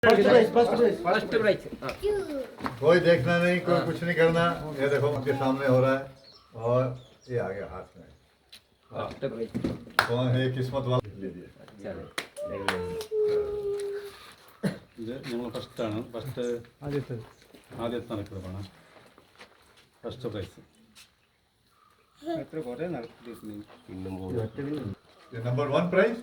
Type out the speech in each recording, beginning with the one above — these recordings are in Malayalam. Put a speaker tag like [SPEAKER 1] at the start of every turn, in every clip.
[SPEAKER 1] First prize.
[SPEAKER 2] कोई देखना नहीं, कोई कुछ नहीं करना। ये देखो उनके सामने हो रहा है और ये आ गया हाथ में।
[SPEAKER 1] फर्स्ट प्राइज
[SPEAKER 2] कौन है किस्मत वाला? ले दिया।
[SPEAKER 3] ഇത് നമ്മൾ ഫസ്റ്റാണ്. ഫസ്റ്റ് ആദ്യത്തെ നടക്കുന്നതാണ് ഫസ്റ്റ് പ്രൈസ്.
[SPEAKER 2] नंबर 1 प्राइज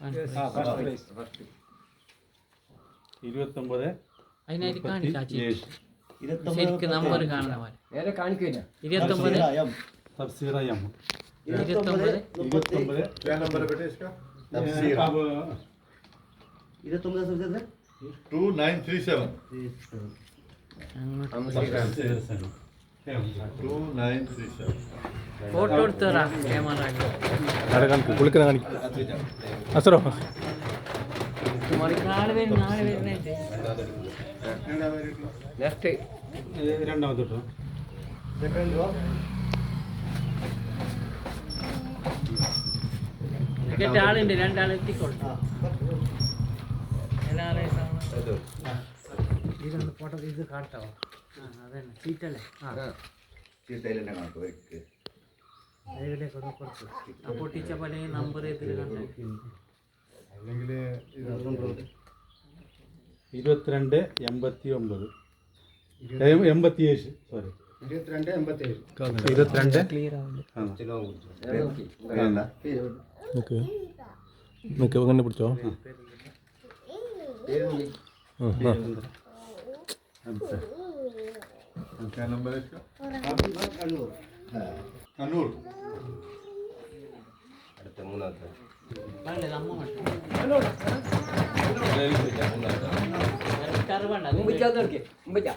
[SPEAKER 3] 29
[SPEAKER 4] അതിനായിട്ട് കാണിക്കാച്ചി
[SPEAKER 3] 27
[SPEAKER 4] ശരിക്കും നമ്പർ കാണണം
[SPEAKER 1] നേരെ കാണിക്കില്ല.
[SPEAKER 4] 29
[SPEAKER 3] തഫ്സീറ എം
[SPEAKER 4] 29
[SPEAKER 3] 29
[SPEAKER 2] क्या नंबर है बेटे इसका?
[SPEAKER 3] अब
[SPEAKER 2] 2937
[SPEAKER 3] 2937
[SPEAKER 4] ഫോട്ടോ എടുത്തറാ ക്യാമറ
[SPEAKER 5] കുളിക്കുന്ന കാണിക്കും അസറോ
[SPEAKER 4] നാളെ വരുന്നേ
[SPEAKER 1] നെക്സ്റ്റ്
[SPEAKER 3] രണ്ടാമത്തെ കേട്ടോ.
[SPEAKER 4] ടിക്കറ്റ് ആളുണ്ട്, രണ്ടാൾ എത്തിക്കോളും. ഇതൊന്ന് ഫോട്ടോ ഇത് കാട്ടാവോ? അതന്നെ സീറ്റല്ലേ? എവിടെയൊക്കെ കുറച്ച് ആ പൊട്ടിച്ച പോലെ നമ്പർ ഇതിൽ കണ്ടേ
[SPEAKER 3] 22 89 87 സോറി 22
[SPEAKER 4] ക്ലിയർ ആവില്ല.
[SPEAKER 5] നിൽക്ക് നിൽക്ക് അങ്ങനെ പിടിച്ചോ.
[SPEAKER 2] क्या नंबर है इसका? अनूर
[SPEAKER 4] അമ്മ മട്ടും
[SPEAKER 1] മുമ്പിച്ചാത്തർക്ക് മുമ്പിച്ചാ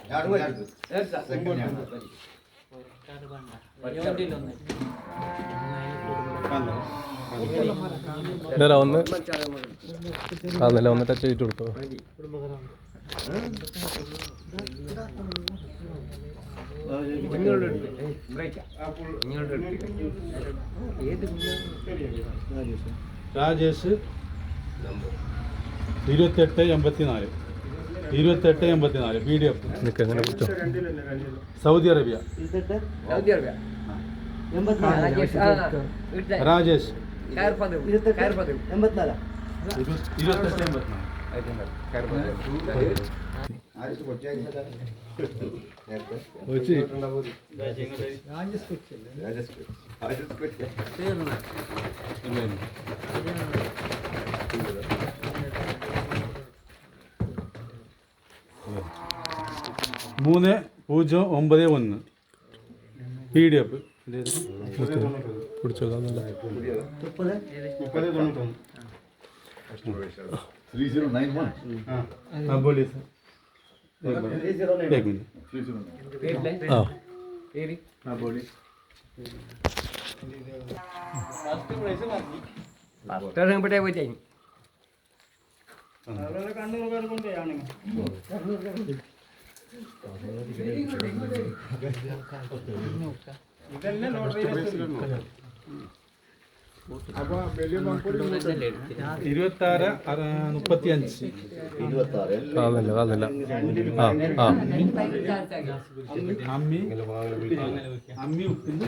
[SPEAKER 5] നേരാ ഒന്ന് അന്നല്ല ഒന്ന് ടച്ച് ചെയ്തിട്ട് കൊടുത്തോ.
[SPEAKER 3] രാജേഷ് 2884 PDF
[SPEAKER 5] നിൽക്ക് അങ്ങനെ പിടിച്ചോ.
[SPEAKER 3] Saudi Arabia. രാജേഷ് 2884 3091 PDF
[SPEAKER 5] പിടിച്ചോ. അതല്ല
[SPEAKER 2] 3091
[SPEAKER 3] हाँ बोलिए सर. एक मिनट.
[SPEAKER 2] 309
[SPEAKER 5] ആ
[SPEAKER 3] हाँ बोलिए.
[SPEAKER 1] ഇവിടെ പോയി
[SPEAKER 3] ഇരുപത്താറ് 35
[SPEAKER 5] അതല്ല അതല്ല ആ ആ
[SPEAKER 3] അമ്മി അമ്മി ഉപ്പിന്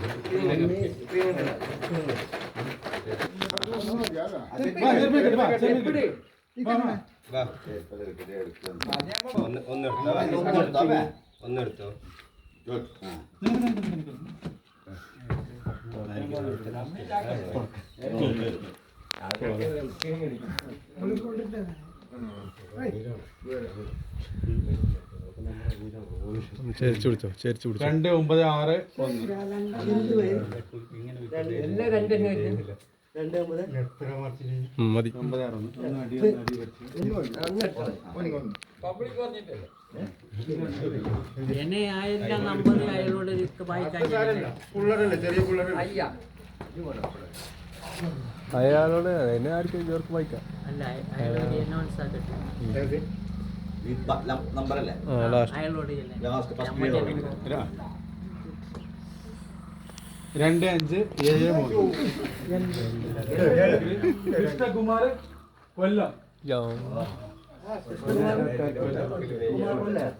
[SPEAKER 6] ഒന്നെടുത്തോ.
[SPEAKER 5] ചേരിച്ചു പിടിച്ചോ. ചേരിച്ചു പിടിച്ചോ.
[SPEAKER 3] 2961
[SPEAKER 5] മതി.
[SPEAKER 3] 961
[SPEAKER 4] എന്നെ ആയിരം നമ്പർ അയാളോട് വായിക്കാൻ
[SPEAKER 5] അയാളോട് എന്നെ ആർക്കും ഇവർക്ക് വായിക്കാം.
[SPEAKER 4] അല്ല അയാളോട് അനൗൺസ് ആക്കട്ടെ.
[SPEAKER 6] നമ്പറല്ലേ
[SPEAKER 4] അയാളോട്
[SPEAKER 3] 2573 കൃഷ്ണകുമാർ കൊല്ലം. കുഴപ്പമില്ല.